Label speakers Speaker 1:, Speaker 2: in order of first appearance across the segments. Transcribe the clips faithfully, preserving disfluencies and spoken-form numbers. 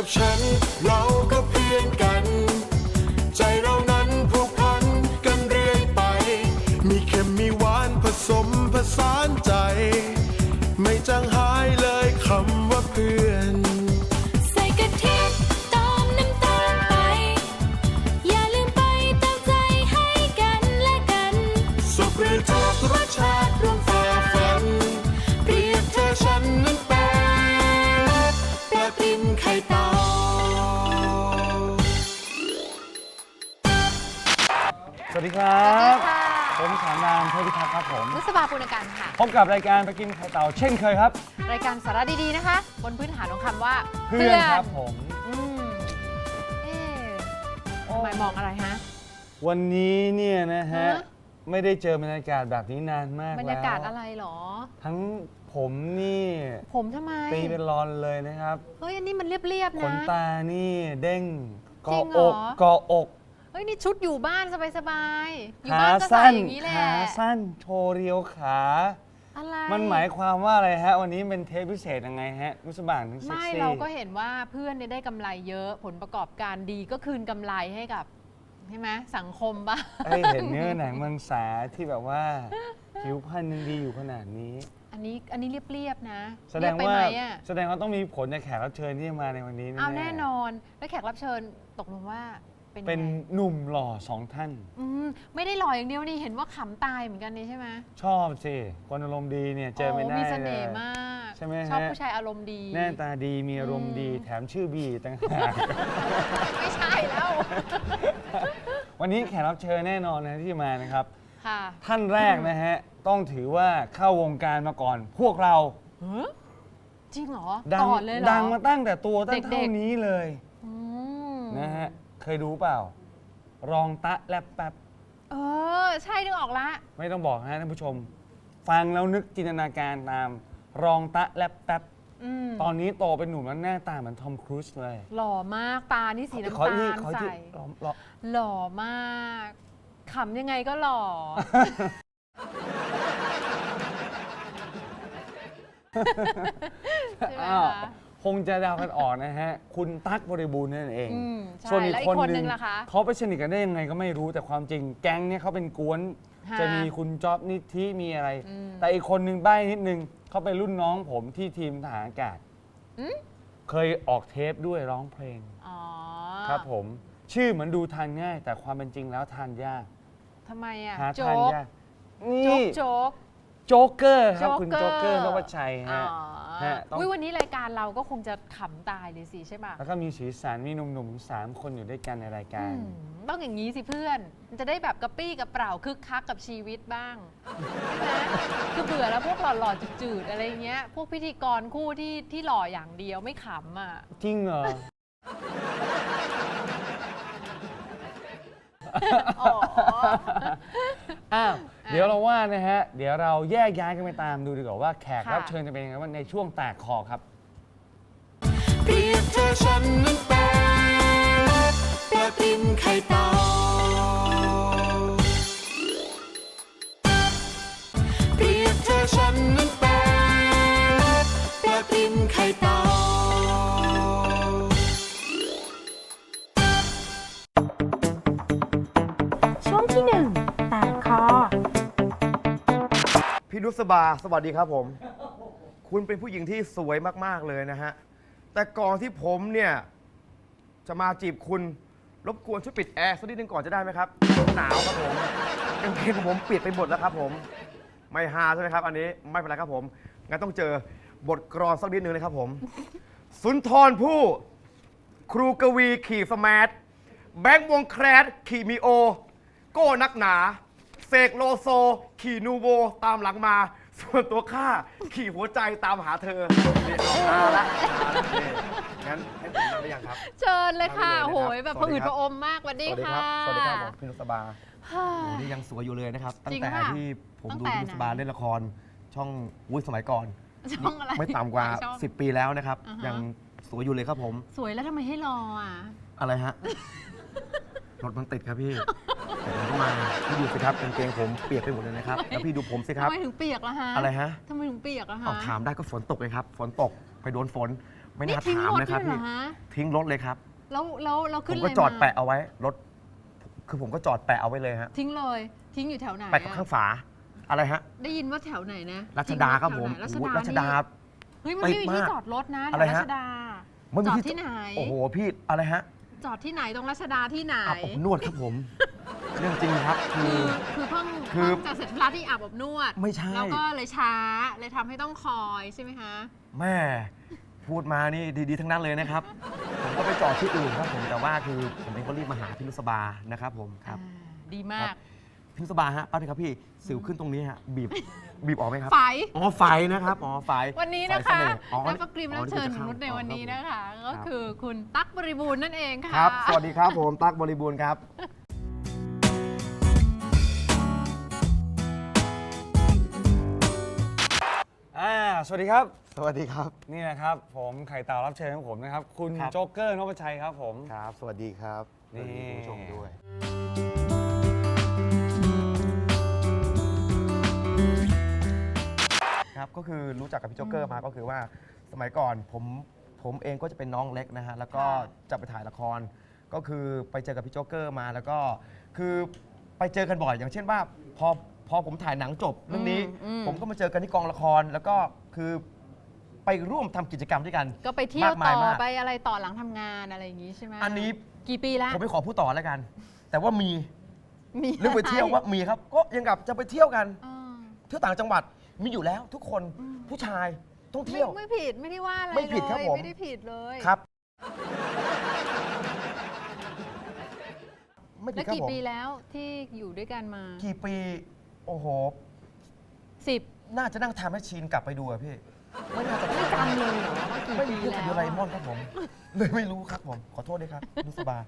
Speaker 1: กับฉันเราก็เพื่อนกันใจเรานั้นผูกพันกันเรื่อยไปมีเค็มมีหวานผสมผสานใจไม่จางหายเลยคำว่าเพื่อน
Speaker 2: ใส่กะทิเติมน้ำตาลไปอย่าลืมไปเติมใจให้กันและกัน
Speaker 1: สุขหรือทุกข์รสชาติร่วมฝ่าฟันเปรียบเธอฉันนั้นเป็นปลาติมไข่เต่า
Speaker 3: สวัสดีครับผมสามนามเทพิทักษ์ครับผม
Speaker 4: นุสบาปุณกันค่ะ
Speaker 3: พบกับรายการไปกินไข่เต่าเช่นเคยครับ
Speaker 4: รายการสาระดีๆนะคะบนพื้นฐานของคำว่า
Speaker 3: เพื่อนครับผม
Speaker 4: อืมเอ๊ะทำไมมองอะไรฮะ
Speaker 3: วันนี้เนี่ยนะฮะไม่ได้เจอบรรยากาศแบบนี้นานมากแล้ว
Speaker 4: บรรยากาศอะไรหรอ
Speaker 3: ทั้งผมนี่
Speaker 4: ผมทำไม
Speaker 3: ตีเป็นรอนเลยนะครับ
Speaker 4: เฮ้ยอันนี้มันเรียบๆนะ
Speaker 3: ขนตานี่เด้งเกาะอกเกาะอก
Speaker 4: เฮ้ยนี่ชุดอยู่บ้านสบายๆอยู่บ้านก็ใส่อย่างนี้แหละ
Speaker 3: ขาสั้นโชว์เรียวขา
Speaker 4: อะไร
Speaker 3: มันหมายความว่าอะไรฮะวันนี้เป็นเทปพิเศษยังไงฮะนุสบานถึงเซ็กซี่
Speaker 4: ไม่เราก็เห็นว่าเพื่อนได้กำไรเยอะผลประกอบการดีก็คืนกำไรให้กับใช่ไหมสังคมบ้าง
Speaker 3: เห็นเนื้อหนังมังสาที่แบบว่าผิวพรรณยังดีอยู่ขนาดนี้
Speaker 4: อันนี้อันนี้เรียบๆนะ
Speaker 3: แสดงว่าแสดงว่าต้องมีผลจากแขกรับเชิญที่มาในวันนี้
Speaker 4: เอาแน่นอนแล้วแขกรับเชิญตกลงว่า
Speaker 3: เป็นหนุ่มหล่อสองท่าน
Speaker 4: ไม่ได้หล่ออย่างเดียวนี่เห็นว่าขำตายเหมือนกันนี่ใช่ไหม
Speaker 3: ชอบสิคนอารมณ์ดีเนี่ยเจอไม่ได้เลย
Speaker 4: มีเสน่ห์มาก
Speaker 3: ใช่ไหม
Speaker 4: ชอบผู้ชายอารมณ์ดี
Speaker 3: หน้าตาดีมีอารมณ์ดีแถมชื่อบีต่างหาก
Speaker 4: ไม่ใช่แล้ว
Speaker 3: วันนี้แขกรับเชิญแน่นอนนะที่มานะครับท่านแรกนะฮะต้องถือว่าเข้าวงการมาก่อนพวกเรา
Speaker 4: จริงเหรอ
Speaker 3: ก่อนเลยเหรอดังมาตั้งแต่ตัวตั้งเท่านี้เลยนะฮะเคยดูเปล่ารองตะแลบแป๊บ
Speaker 4: เออใช่นึกออกละ
Speaker 3: ไม่ต้องบอกนะท่านผู้ชมฟังแล้วนึกจินตนาการตามรองตะแลบแป๊บตอนนี้โตเป็นหนุ่มแล้วหน้าตาเหมือนทอมครูซเลย
Speaker 4: หล่อมากตานี่สีน้ำตาลใสหล่อมากขำยังไงก็หล่อใช่ไหมคะ
Speaker 3: คงจะดาวกันออกนะฮะคุณตั๊กบริบูรณ์นั่นเอง
Speaker 4: ส่วนอีกคนนึงล่ะคะ
Speaker 3: เขาไปสนิทกันได้ยังไงก็ไม่รู้แต่ความจริงแก๊งเนี่ยเขาเป็นกวนจะมีคุณจ๊อบนิธิมีอะไรแต่อีกคนนึงใบ้นิดนึงเขาเป็นรุ่นน้องผมที่ทีมทหารอากาศเคยออกเทปด้วยร้องเพลงครับผมชื่อเหมือนดูทานง่ายแต่ความเป็นจริงแล้วทานยาก
Speaker 4: ทำไมอ่ะ
Speaker 3: หาทานยากนี่
Speaker 4: โจ๊ก
Speaker 3: โจ๊กเกอร์ครับคุณโจ๊กเกอร์นวชัยฮะ
Speaker 4: วันนี้รายการเราก็คงจะขำตายเลยสิใช่ป่ะ
Speaker 3: แล้วก็มีสีสันมีหนุ่มๆสามคนอยู่ด้วยกันในรายการ
Speaker 4: ต้องอย่างนี้สิเพื่อนมันจะได้แบบกระปี้กระเป๋าคึกคักกับชีวิตบ้างใช่ไหมคือเบื่อแล้วพวกหล่อๆจืดๆอะไรเงี้ยพวกพิธีกรคู่ที่ที่หล่ออย่างเดียวไม่ขำอ่ะ
Speaker 3: จริงเหรออ้าวเดี๋ยวเราว่านะฮะเดี๋ยวเราแยกย้ายกันไปตามดูดีกว่าว่าแขกรับเชิญจะเป็นยังไงในช่วงแตกคอครับ
Speaker 1: เปรียบเธอฉันนั้นเป็นปลาติมไข่เต่าเปรียบเธอฉันนั้นเป็นปลาติมไข่เต่า
Speaker 2: ช่วงที่หนึ่งแตกคอ
Speaker 5: พี่นุสบาสวัสดีครับผมคุณเป็นผู้หญิงที่สวยมากๆเลยนะฮะแต่ก่อนที่ผมเนี่ยจะมาจีบคุณรบกวนช่วยปิดแอร์สักนิดนึงก่อนจะได้ไหมครับหนาวครับผมกางเกงของผมเปียกไปหมดแล้วครับผมไม่ฮาใช่ไหมครับอันนี้ไม่เป็นไรครับผมงั้นต้องเจอบทกลอนสักนิดนึงเลยครับผมสุนทรภู่ครูกวีขี่สมาร์ทแบงค์วงแครดขี่มีโอโก้นักหนาเสกโลโซขี่นูโวตามหลังมาส่วนตัวข้าขี่หัวใจตามหาเธอนี่เอาละงั้นให้ผมทำได้ยังครับ
Speaker 4: เชิญเลยค่ะโหยแบบผอืดผอมมากวันนี้ค่ะ
Speaker 5: สวัสดีครับพี่นุสบานี่ยังสวยอยู่เลยนะครับตั้งแต่ที่ผมดูพี่นุสบาเล่นละครช่องวุ้ยสมัยก่อนไม่ต่ำกว่าสิบปีแล้วนะครับยังสวยอยู่เลยครับผม
Speaker 4: สวยแล้วทำไมให้รออ่ะ
Speaker 5: อะไรฮะรถมันติดครับพี่ผมก็มาพี่ดูสิครับกางเกงผมเปียกไปหมดเลยนะครับแล้วพี่ดูผมสิครับ
Speaker 4: ทำไมถึงเปียกล่ะฮะ
Speaker 5: อะไรฮะ
Speaker 4: ทำไมถึงเปียกล่ะฮะ
Speaker 5: ถามได้ก็ฝนตกเลยครับฝนตกไปโดนฝนไม่
Speaker 4: นี่
Speaker 5: น่า
Speaker 4: ทิ้ง
Speaker 5: ถาม
Speaker 4: รถ
Speaker 5: นะครับ
Speaker 4: เลยเหร
Speaker 5: พี่
Speaker 4: อฮะ
Speaker 5: ทิ้งรถเลยครับ
Speaker 4: แล้วแล้วเรา
Speaker 5: ผ
Speaker 4: ขึ้น
Speaker 5: ม
Speaker 4: อะไร
Speaker 5: ก็จอด
Speaker 4: มา
Speaker 5: แปะเอาไว้รถคือผมก็จอดแปะเอาไว้เลยฮะ
Speaker 4: ทิ้งเลยทิ้งอยู่แถวไหน
Speaker 5: แปะกับ
Speaker 4: อะ
Speaker 5: ข้างฝาอะไรฮะ
Speaker 4: ได้ยินว่าแถวไหนนะ
Speaker 5: รัชดาครับ
Speaker 4: ทิ้
Speaker 5: ผ
Speaker 4: ง
Speaker 5: ม
Speaker 4: ไว้แถวไหนรัช
Speaker 5: โอ้โห
Speaker 4: ดา
Speaker 5: รัชดา
Speaker 4: นี่เฮ้ยมันไม่มี
Speaker 5: ติด
Speaker 4: ที่
Speaker 5: มาก
Speaker 4: จอดรถนะแถ
Speaker 5: อะไร
Speaker 4: วรั
Speaker 5: ฮะ
Speaker 4: ชดา
Speaker 5: ไม่มี
Speaker 4: จอด
Speaker 5: ที่
Speaker 4: ที่ไหน
Speaker 5: โอ้โหพี่อะไรฮะ
Speaker 4: จอดที่ไหนตรงรัชดาที่ไหน
Speaker 5: อาบอบนวดครับผม เรื่องจริงครับคื
Speaker 4: คือ อคือเพิ่ง
Speaker 5: คือ
Speaker 4: เพิ่งจะเสร็จธุระที่อาบอบนวด
Speaker 5: ไม่ใช่
Speaker 4: แล้วก็เลยช้าเลยทำให้ต้องคอยใช่ไหมคะ
Speaker 5: แม่พูดมานี่ดีๆทั้งนั้นเลยนะครับ ผมก็ไปจอดที่อื่นครับผมแต่ว่าคือผมเองก็รีบมาหาพี่นุสบานะครับผมครับ
Speaker 4: อ่าดีมา
Speaker 5: ครั
Speaker 4: ก
Speaker 5: บ พี่นุสบาฮะป้าทีครับพี่สิวขึ้นตรงนี้ฮะบีบบีบออกไหมครับ
Speaker 4: ไฝ
Speaker 5: อ๋อไฟนะครับอ๋อไฟ
Speaker 4: วันนี้
Speaker 5: ไฟ
Speaker 4: นะ
Speaker 5: เส
Speaker 4: คะ
Speaker 5: น่ห์อ๋อ
Speaker 4: และประกริม
Speaker 5: อ๋อ
Speaker 4: รับเชิญ
Speaker 5: ที่
Speaker 4: ม
Speaker 5: จะ
Speaker 4: นุษย์ในวันนี้
Speaker 5: เข้า
Speaker 4: นะคะ
Speaker 5: ค
Speaker 4: ก็
Speaker 5: รับ
Speaker 4: คือคุณตั๊กบริบูรณ์นั่นเองค่ะ
Speaker 5: ครับ สวัสดีครับผมตั๊กบริบูรณ์ครับ
Speaker 3: อ่าสวัสดีครับ
Speaker 5: สวัสดีครับ
Speaker 3: นี่นะครับผมไข่เต่ารับเชิญของผมนะครับ คุณ
Speaker 5: ครับ
Speaker 3: โจ๊กเกอร์นพชัยครับผม
Speaker 5: ครับ สวัสดีครับ
Speaker 3: นี่
Speaker 5: สวัสดีคุณผู้ชมด้วย ครับก็คือรู้จักกับพี่โจ๊กเกอร์มาก็คือว่าสมัยก่อนผมผมเองก็จะเป็นน้องเล็กนะฮะแล้วก็
Speaker 4: ค่ะ
Speaker 5: จะไปถ่ายละคร ก็คือไปเจอกับพี่โจ๊กเกอร์มาแล้วก็คือไปเจอกันบ่อย อย่างเช่นว่าพอพอผมถ่ายหนังจบเรื่องนี้
Speaker 4: อืม
Speaker 5: ผมก็มาเจอกันที่กองละคร แล้วก็คือไปร่วมทำกิจกรรมด้วยกัน
Speaker 4: ก็ไปเที่ยว
Speaker 5: มากมา
Speaker 4: ต่
Speaker 5: ย
Speaker 4: อ
Speaker 5: มาก
Speaker 4: ไปอะไรต่อหลังทำงานอะไรอย่างงี้ใช่ไหม
Speaker 5: อันนี้
Speaker 4: กี่ปีแล้ว
Speaker 5: ผมไม่ขอพูดต่อแล้วกัน แต่ว่ามี
Speaker 4: มี
Speaker 5: เรื่องไปเที่ยวว่ามีครับ ก็ยังกับจะไปเที่ยวกัน
Speaker 4: อ่า
Speaker 5: เที่ยวต่างจังหวัดมีอยู่แล้วทุกคน
Speaker 4: อืม
Speaker 5: ผู้ชายต้อง
Speaker 4: ไม่
Speaker 5: เที่ยว
Speaker 4: ไม่ผิดไม่ได้ว่าอะไร
Speaker 5: ไม่ผิดครับ
Speaker 4: เลย
Speaker 5: ผม
Speaker 4: ไม่ได้ผิดเลย
Speaker 5: ครับ ไม่ผิ
Speaker 4: แล้
Speaker 5: ด
Speaker 4: ว
Speaker 5: ครับ
Speaker 4: กี่
Speaker 5: ผม
Speaker 4: ปีแล้วที่อยู่ด้วยกันมา
Speaker 5: กี่ปี โอ้โห
Speaker 4: สิบ
Speaker 5: น่าจะนั่งทำให้ชินกลับไปดูอะพี่ ไม่น่าจะ
Speaker 4: ไม่จำเลยเหรอว่ากี่
Speaker 5: ไม่มี
Speaker 4: ปี
Speaker 5: พูด
Speaker 4: แล้
Speaker 5: กับ
Speaker 4: ว
Speaker 5: โดราเอมอนครับผม เลยไม่รู้ครับผม ขอโทษด้วยครับนุสบา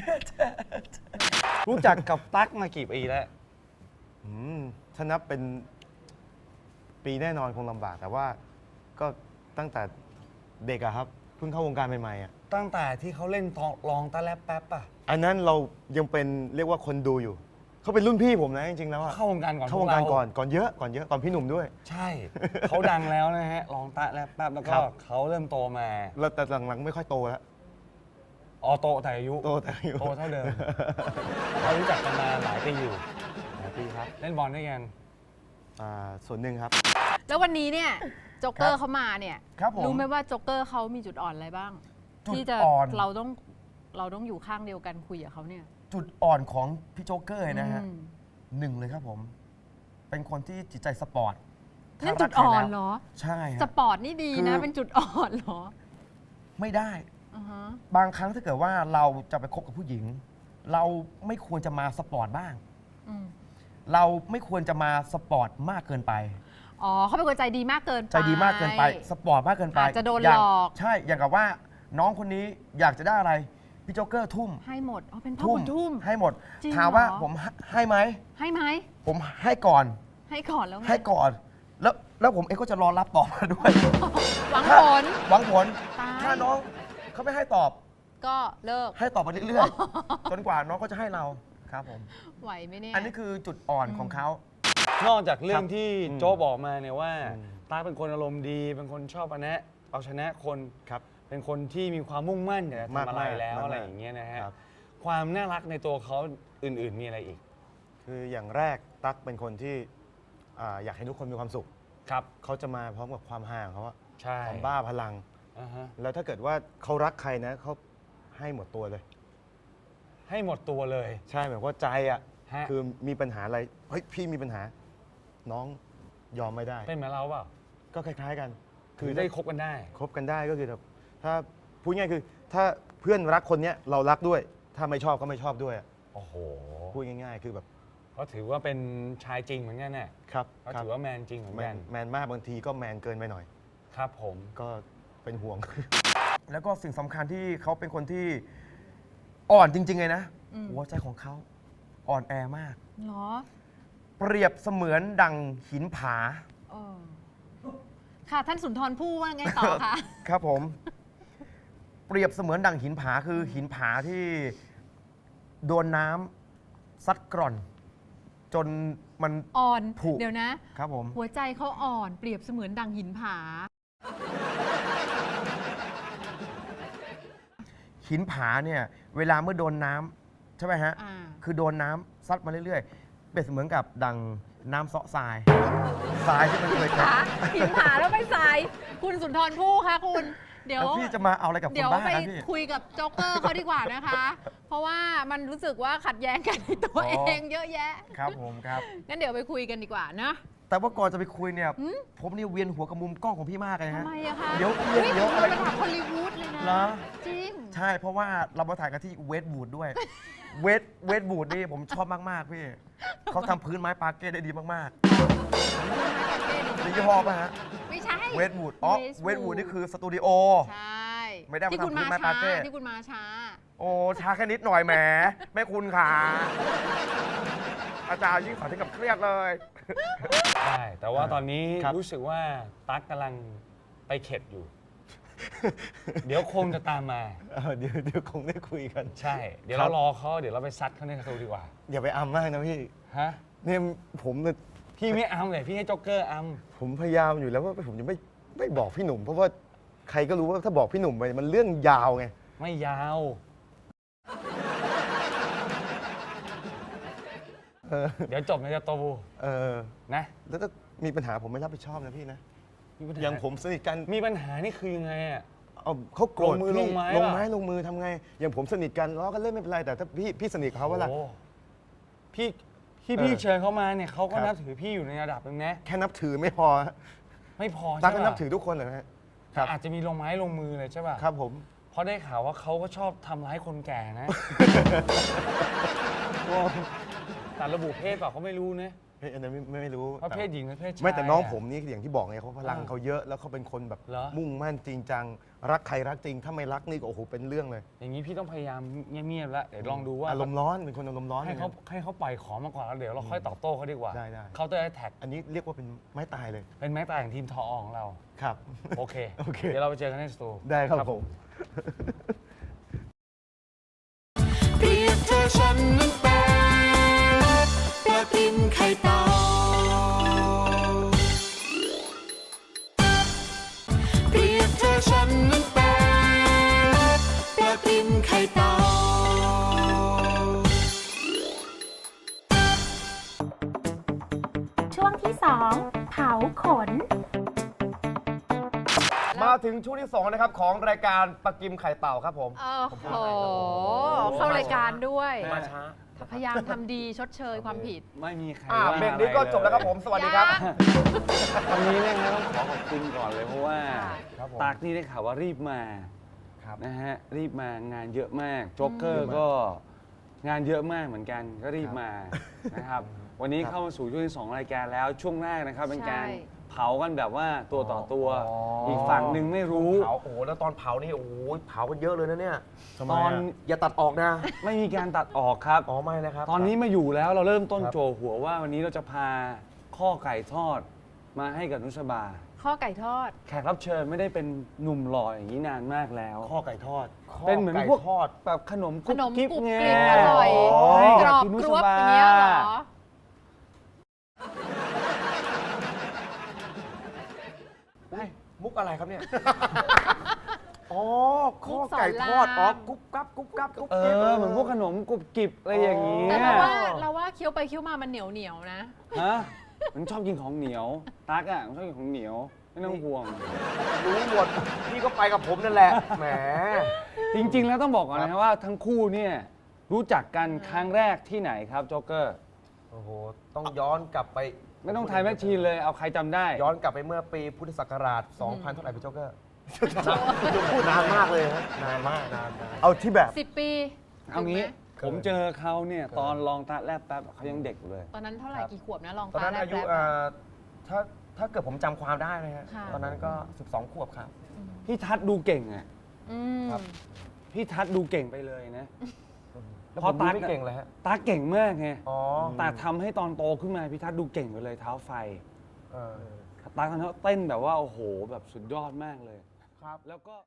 Speaker 3: รู้จักกับตั๊กมากี่ปีแล้ว
Speaker 6: อืมถ้านับเป็นปีแน่นอนคงลำบาก แต่ว่าก็ตั้งแต่เด็กอะครับ เพิ่งเข้าวงการใหม่ๆอะ
Speaker 3: ตั้งแต่ที่เขาเล่นตองลองตะแลบแป๊บป่ะ
Speaker 6: อันนั้นเรายังเป็นเรียกว่าคนดูอยู่ เขาเป็นรุ่นพี่ผมนะจริงๆแล้วอะ
Speaker 3: เข้าวงการก่อน
Speaker 6: เข้าวงการ
Speaker 3: พ
Speaker 6: ก่อนก่อนเยอะก่อนเยอะก่อนพี่หนุ่มด้วย
Speaker 3: ใช่ เขาดังแล้วนะฮะลองตะแลบแป๊บแล้วก็
Speaker 6: ครับ
Speaker 3: เขาเริ่มโตมา
Speaker 6: แล้วแต่หลังๆไม่ค่อยโตแล้ว
Speaker 3: ออโตแต่อายุ
Speaker 6: โตแต่อายุ
Speaker 3: โตเท่าเดิม เรารู้จักกันมาหลายปีอยู่
Speaker 6: หลายปีครับ
Speaker 3: เล่นบอลด้วยกัน
Speaker 6: อ่าส่วนหนึ่งครับ
Speaker 4: แล้ววันนี้เนี่ยโจ๊กเกอ
Speaker 5: ครั
Speaker 4: ร์
Speaker 5: บ
Speaker 4: เขามาเนี่ย
Speaker 5: ครับผม
Speaker 4: รู้ไหมว่าโจ๊กเกอร์เขามีจุดอ่อนอะไรบ้าง
Speaker 5: จุด
Speaker 4: ที่จะ
Speaker 5: อ่อน
Speaker 4: เราต้องเราต้องอยู่ข้างเดียวกันคุยกับเขาเนี่ย
Speaker 5: จุดอ่อนของพี่โจ๊กเกอร์นะฮะ
Speaker 4: อืม
Speaker 5: หนึ่งเลยครับผม เป็นคนที่จิตใจสปอร์ต
Speaker 4: นั่น
Speaker 5: ถ้า
Speaker 4: จุ
Speaker 5: รั
Speaker 4: ด
Speaker 5: กใคร
Speaker 4: อ่อน
Speaker 5: แล้ว
Speaker 4: เหรอ
Speaker 5: ใช่
Speaker 4: ส
Speaker 5: ฮะ
Speaker 4: ปอร์ตนี่ดีนะ
Speaker 5: คือ
Speaker 4: เป็นจุดอ่อนเหรอ
Speaker 5: ไม่ได้
Speaker 4: อ่าฮะ
Speaker 5: บางครั้งถ้าเกิดว่าเราจะไปคบกับผู้หญิง เราไม่ควรจะมาสปอร์ตบ้าง
Speaker 4: อืม
Speaker 5: เราไม่ควรจะมาสปอร์ตมากเกินไป
Speaker 4: อ๋อเขาเป็นคนใจดีมากเกินไป
Speaker 5: ใจดีมากเกินไป สปอร์ตมากเกินไป
Speaker 4: อาจจะโดน
Speaker 5: ย่าง
Speaker 4: หลอก
Speaker 5: ใช่ อย่างกับว่าน้องคนนี้อยากจะได้อะไร พี่โจ๊กเกอร์ทุ่ม
Speaker 4: ให้หมดอ๋อเป็นพ่อบุญทุ่ม
Speaker 5: ให้หมด
Speaker 4: จริง
Speaker 5: ถามว่า
Speaker 4: เหรอ
Speaker 5: ผมให้ไหม
Speaker 4: ให้ไหม
Speaker 5: ผมให้ก่อน
Speaker 4: ให้ก่อนแล้วไง
Speaker 5: ให้ก่อน แล้วแล้วผมเองก็จะรอรับตอบมาด้วย
Speaker 4: หวัง
Speaker 5: ถ้า
Speaker 4: ผล
Speaker 5: หวังผล
Speaker 4: ตาย
Speaker 5: ถ้าน้องเขาไม่ให้ตอบ
Speaker 4: ก็เลิก
Speaker 5: ให้ตอบไปเรื่อยๆ จนกว่าน้องก็จะให้เรา ครับผม
Speaker 4: ไหวไหมเนี่ย
Speaker 5: อันนี้คือจุดอ่อนของเขา
Speaker 3: นอกจากเรื่อ
Speaker 6: ค
Speaker 3: ง
Speaker 6: รับ
Speaker 3: ที่
Speaker 6: อืม
Speaker 3: โจ๊กบอกมาเนี่ยว่า
Speaker 6: อืม
Speaker 3: ตาเป็นคนอารมณ์ดี เป็นคนชอบเอาแนะเอาชนะคน
Speaker 6: ครับ
Speaker 3: เป็นคนที่มีความมุ่งมั่นอยากจะทำอะไร
Speaker 6: มากๆ
Speaker 3: แล้ว
Speaker 6: มากๆ
Speaker 3: อะไรอย่างเงี้ยนะฮะ
Speaker 6: ครับ
Speaker 3: ความน่ารักในตัวเขาอื่นๆมีอะไรอีก
Speaker 6: คืออย่างแรกตั๊กเป็นคนที่อ่าอยากให้ทุกคนมีความสุข
Speaker 3: ครับ
Speaker 6: เขาจะมาพร้อมกับความห่างเขาอะ
Speaker 3: ใช่
Speaker 6: ความบ้าพลัง
Speaker 3: อ่าฮะ
Speaker 6: แล้วถ้าเกิดว่าเขารักใครนะเขาให้หมดตัวเลย
Speaker 3: ให้หมดตัวเลย
Speaker 6: ใช่หมายความว่าใจอะ
Speaker 3: ฮะ
Speaker 6: คือมีปัญหาอะไรเฮ้ยพี่มีปัญหา น้องยอมไม่ได้
Speaker 3: เป็นเหมือนเราเปล่า
Speaker 6: ก็คล้าย ๆ กัน
Speaker 3: คือ
Speaker 6: ถ้า
Speaker 3: ได้คบกันได้
Speaker 6: คบกันได้ก็คือแบบถ้าพูดง่ายคือ ถ้าเพื่อนรักคนเนี้ยเรารักด้วย ถ้าไม่ชอบก็ไม่ชอบด้วยอะ
Speaker 3: โอ้โห
Speaker 6: พูดง่าย ๆ คือแบบ
Speaker 3: เขาถือว่าเป็นชายจริงเหมือนกันน่ะ
Speaker 6: ครับ
Speaker 3: เขา
Speaker 6: ครับ
Speaker 3: ถือว่าแมนจริงเหมือน
Speaker 6: แม
Speaker 3: กัน
Speaker 6: นแมนมากบางทีก็แมนเกินไปหน่อย
Speaker 3: ครับผม
Speaker 6: ก็เป็นห่วง
Speaker 5: แล้วก็สิ่งสำคัญที่เขาเป็นคนที่อ่อนจริง ๆ เลยนะ
Speaker 4: อืม
Speaker 5: หัวใจของเขาอ่อนแอมาก
Speaker 4: เหรอ
Speaker 5: เปรียบเสมือนดังหินผา
Speaker 4: เออค่ะท่านสุนทรภู่ว่าไงต่อคะ
Speaker 5: ครับผม เปรียบเสมือนดังหินผาคือหินผาที่โดนน้ำซัดกร่อน จนมัน
Speaker 4: อ่อน
Speaker 5: ผุ
Speaker 4: เดี๋ยวนะ
Speaker 5: ครับผม
Speaker 4: หัวใจเขาอ่อนเปรียบเสมือนดังหินผา
Speaker 5: หินผาเนี่ยเวลาเมื่อโดนน้ำใช่ไหมฮะ
Speaker 4: อ่า
Speaker 5: คือโดนน้ำซัดมาเรื่อยๆ เป็นเสมือนกับดังน้ำเซาะทราย ทรายที่มันเคย
Speaker 4: ขาหินผาแล้วไปสาย คุณสุนทรภู่คะคุณ เดี๋ยว
Speaker 5: แล้วพี่จะมาเอาอะไรกับค
Speaker 4: เดี๋
Speaker 5: น
Speaker 4: ยว
Speaker 5: บ้า
Speaker 4: ไป
Speaker 5: ครับพี่
Speaker 4: คุยกับโจ๊กเกอร์เขาดีกว่านะคะ เพราะว่ามันรู้สึกว่าขัดแย้งกันในตัว
Speaker 5: อ๋อ
Speaker 4: เองเยอะแยะ
Speaker 5: ครับผมครับ
Speaker 4: งั้นเดี๋ยวไปคุยกันดีกว่านะ
Speaker 5: แต่ว่าก่อนจะไปคุยเนี่ย
Speaker 4: หืม
Speaker 5: ผมนี่เวียนหัวกับมุมกล้องของพี่มากเลย
Speaker 4: ทำ
Speaker 5: ฮะ
Speaker 4: ไมอะคะ
Speaker 5: เดี๋ยว
Speaker 4: ฮ้
Speaker 5: เดี๋ยว
Speaker 4: คุณ
Speaker 5: อะไร
Speaker 4: ระดับฮอลลีวูดเลยนะ
Speaker 5: เหรอ
Speaker 4: จริง
Speaker 5: ใช่ เพราะว่าเรามาถ่ายกันที่เวสต์วูดด้วย เวสต์เวสต์วูดนี่ผมชอบมาก ๆ พี่ เขาทำพื้นไม้ปาเก้ได้ดีมากๆมียี่ห้อป่ะฮะ
Speaker 4: ไม่ใช่
Speaker 5: เวสต์วูดอ๋อ
Speaker 4: Westwood
Speaker 5: เวสต์วูดนี่คือสตูดิโอ
Speaker 4: ใช่
Speaker 5: ไม่ได้มา
Speaker 4: ที่คุณ
Speaker 5: ทำพื้
Speaker 4: มาน
Speaker 5: ไม้
Speaker 4: ช้า
Speaker 5: ปาเก้
Speaker 4: ที่คุณมาช้า
Speaker 5: โอ้ช้าแค่นิดหน่อยแหมแม่คุณขาอาจารย์ยิ่งสอนถึงกับเครียดเลย
Speaker 3: ใช่แต่ว่าตอนนี้
Speaker 5: ครับ
Speaker 3: รู้สึกว่าตั๊กกำลังไปเข็ดอยู่ เดี๋ยวคงจะตามมา
Speaker 6: เออเดี๋ยวเดี๋ยวคงได้คุยกัน
Speaker 3: ใช่ เดี๋ยว
Speaker 6: ครั
Speaker 3: เรา
Speaker 6: บ
Speaker 3: รอเขาเดี๋ยวเราไปซัดเขาในสตูดีกว่า
Speaker 6: อย่าไปอำมากนะพี่
Speaker 3: ฮะ
Speaker 6: เนี่ยผมเนี่ย
Speaker 3: พี่ไม่อัมเลยพี่ให้โจ๊กเกอร์อัม
Speaker 6: ผมพยายามอยู่แล้วว่าผมจะไม่ไม่บอกพี่หนุ่ม เพราะว่าใครก็รู้ว่าถ้าบอกพี่หนุ่มไปมันเรื่องยาวไง
Speaker 3: ไม่ยาว
Speaker 6: เออ
Speaker 3: เดี๋ยวจบในจะโต
Speaker 6: เออ
Speaker 3: นะ
Speaker 6: แล้วถ้ามีปัญหาผมไม่รับผิดชอบนะพี่นะ
Speaker 3: มีปัญหา
Speaker 6: อย่างผมสนิทกัน
Speaker 3: มีปัญหานี่คือยังไงอ่ะ
Speaker 6: เอาเขาโกรธ
Speaker 3: ลงมือ
Speaker 6: พี่
Speaker 3: ลงไม้
Speaker 6: ลง
Speaker 3: ป่ะ
Speaker 6: ไม้ลงมือทำไง อย่างผมสนิทกันล้อกันเล่นไม่เป็นไรแต่ถ้าพี่พี่สนิทกับเขาว่าล่ะ
Speaker 3: โอ้พี่ที่
Speaker 6: เออ
Speaker 3: พี่เชิญเขามาเนี่ยเขาก็
Speaker 6: ครับ
Speaker 3: นับถือพี่อยู่ในระดับหนึงนะ
Speaker 6: แค่นับถือไม่พอฮะ
Speaker 3: ไม่พอ
Speaker 6: ตั๊
Speaker 3: ใช่
Speaker 6: กก็
Speaker 3: ปะ
Speaker 6: นับถือทุกคนเหรอฮะครับ
Speaker 3: อาจจะมีลงไม้ลงมือเลยใช่ป่ะ
Speaker 6: ครับผม
Speaker 3: เพราะได้ข่าวว่าเขาก็ชอบทำร้ายคนแก่นะ แต่ระบุเพศเปล่าเขาไม่รู้นะ
Speaker 6: เฮ้ยอันนั้นไม่ไม่รู้
Speaker 3: ว่าเพศหญิงหรือเพศชาย
Speaker 6: ไม่แต่น้อง
Speaker 3: ะ
Speaker 6: ผมนี่อย่างที่บอกไงเขาพลัง
Speaker 3: อ่า
Speaker 6: เขาเยอะแล้วเขาเป็นคนแบบ
Speaker 3: เหรอ
Speaker 6: มุ่งมั่นจริงจังรักใครรักจริง ถ้าไม่รักนี่ก็โอ้โหเป็นเรื่องเลย
Speaker 3: อย่างนี้พี่ต้องพยายามเงียบๆแล้วเดี๋ยวลองดูว่า
Speaker 6: อารมณ์ร้อนเป็นคนอารมณ์ร้อน
Speaker 3: ให้เขาให้เขาปล่อยของมาก่อนแล้วเดี๋ยวเราค่อยตอบโต้เขาดีกว่า
Speaker 6: ได้ได้
Speaker 3: เขาจะได้แท็ก
Speaker 6: อันนี้เรียกว่าเป็นไม้ตายเลย
Speaker 3: เป็นแม็กตายของทีมทอของเรา
Speaker 6: ครับ
Speaker 3: โอเค
Speaker 6: โอเค
Speaker 3: เดี๋ยวเราไปเจอกันในสตู
Speaker 6: ได้ครับผม
Speaker 1: เปรียบเธอฉันนั้นเป็นปลากินไข่เต่าเปรียบเธอฉันนั้นเป็นปลากินไข่เต่า
Speaker 7: ช่วงที่ สอง เผาขน
Speaker 5: มาถึงช่วงที่สองนะครับของรายการปลากิมไข่เต่าครับผม
Speaker 4: โอ้โห เข้ารายการด้วย
Speaker 5: มาช้า
Speaker 4: พยายามทำดีชดเชยความผิด
Speaker 3: ไม่มีใคร
Speaker 5: อ่า
Speaker 3: ว่า
Speaker 5: เบรกนี้ก็จบแล้วครับผม สวัสดีครับ
Speaker 3: วันนี้เนะฮะต้องขอขอบคุณก่อนเลยเพราะว่า
Speaker 5: ครับผม
Speaker 3: ตากนี่ได้ข่าวว่ารีบมา
Speaker 5: ครับ
Speaker 3: นะฮะรีบมางานเยอะมากโจ๊กเกอร์ก็งานเยอะมากเหมือนกันก็รีบมานะครับ วันนี้เข้ามาสู่ช่วงที่สองรายการแล้วช่วงแรกนะครับเป็นการ
Speaker 4: ใช่
Speaker 3: เผากันแบบว่าตัวต่อตัว
Speaker 5: อ๋ออี
Speaker 3: อีกฝั่งหนึ่งไม่รู้
Speaker 5: เผาโอ้โหแล้วตอนเผานี่โอ้โหเผากันเยอะเลยนะเนี่ย
Speaker 3: ตอน
Speaker 5: อย่าตัดออกนะ
Speaker 3: ไม่มีการตัดออกครับ
Speaker 5: อ๋อไม่นะครับ
Speaker 3: ตอนนี้มาอยู่แล้วเราเริ่มต้น
Speaker 5: ครับ
Speaker 3: โจหัวว่าวันนี้เราจะพาข้อไก่ทอดมาให้กับนุชบา
Speaker 4: ข้อไก่ทอด
Speaker 3: แขกรับเชิญไม่ได้เป็นหนุ่มหล่ออย่างนี้นานมากแล้ว
Speaker 6: ข้อไก่ทอด
Speaker 3: เป็นเหมือน
Speaker 5: ไก่
Speaker 3: พวก
Speaker 5: ทอด
Speaker 3: แบบขนม
Speaker 4: ข
Speaker 3: กุ๊บ
Speaker 4: นม
Speaker 3: กิ๊บ
Speaker 4: กรุบ
Speaker 3: ไง
Speaker 4: กริบอร่อย
Speaker 3: ให้
Speaker 4: กรอบ
Speaker 3: คุณนุ
Speaker 4: ก
Speaker 3: ช
Speaker 4: รวบ
Speaker 3: บา
Speaker 4: อย่างเงี้ยเหรอ
Speaker 5: มุกอะไรครับเนี่ย อ๋อ ข้อ
Speaker 4: มุกสอน
Speaker 5: ไก่ทอด
Speaker 4: ราม
Speaker 5: อ๋อ กุ๊บกับกุ๊บกับกุ๊บ
Speaker 3: เอ
Speaker 5: กิ๊บ
Speaker 3: อเหมือนพวกขนมกรุบกริบอะไรอย่างนี้
Speaker 4: แต่เราว่าเราว่าเคี้ยวไปเคี้ยวมามันเหนียวเหนียวๆนะ
Speaker 3: ฮะมันชอบกินของเหนียวตั๊กอ่ะมันชอบกินของเหนียวไม่ต้องห่วง
Speaker 5: รู้หมด พี่ก็ไปกับผมนั่นแหละ แหม
Speaker 3: จริง ๆ แล้วต้องบอกก่อนนะครับว่าทั้งคู่เนี่ยรู้จักกันครั้งแรกที่ไหนครับโจ๊กเกอร์
Speaker 5: โอ้โห ต้องย้อนกลับไป
Speaker 3: ไม่ต้องไทยแมชชีนเลยเอาใครจำได้
Speaker 5: ย้อนกลับไปเมื่อปีพุทธศักราช สองพัน เท่าไหร่พี่โจ๊กเกอร์พูดนานมากเลยฮะนานมากนานนาน
Speaker 6: เอาที่แบบ
Speaker 4: สิบปี
Speaker 3: เอางี้
Speaker 4: ถูกไหม
Speaker 3: ผมเจอเขาเนี่ยตอนลองตาแลบแป๊บเขายังเด็กอยู่เลย
Speaker 4: ตอนนั้นเท่าไหร่กี่ขวบนะลอง
Speaker 5: ตอนนั้น
Speaker 4: ตแรก
Speaker 5: อายุ
Speaker 4: แรก
Speaker 5: เอ่อถ้าถ้าเกิดผมจำความได้นะฮะ
Speaker 4: ค่ะ
Speaker 5: ตอนนั้นก็สิบสองขวบครับ
Speaker 3: พี่ทัศน์ดูเก่งอ่ะ
Speaker 4: อืม
Speaker 5: ครับ
Speaker 3: พี่ทัศน์ดูเก่งไปเลยนะ
Speaker 5: แล้ว
Speaker 3: พ
Speaker 5: ผ
Speaker 3: อ
Speaker 5: ม
Speaker 3: ตั
Speaker 5: ดู
Speaker 3: ด
Speaker 5: ไม่เก่งเลยฮะ
Speaker 3: ตาเก่งมากไง
Speaker 5: อ๋อ
Speaker 3: แต่ทำให้ตอนโตขึ้นมาพี่ทัศน์ดูเก่งไปเลยเท้าไฟ
Speaker 5: เออ
Speaker 3: ตาทำให้เต้นแบบว่าโอ้โหแบบสุดยอดมากเลย
Speaker 5: ครับ
Speaker 3: แล้วก็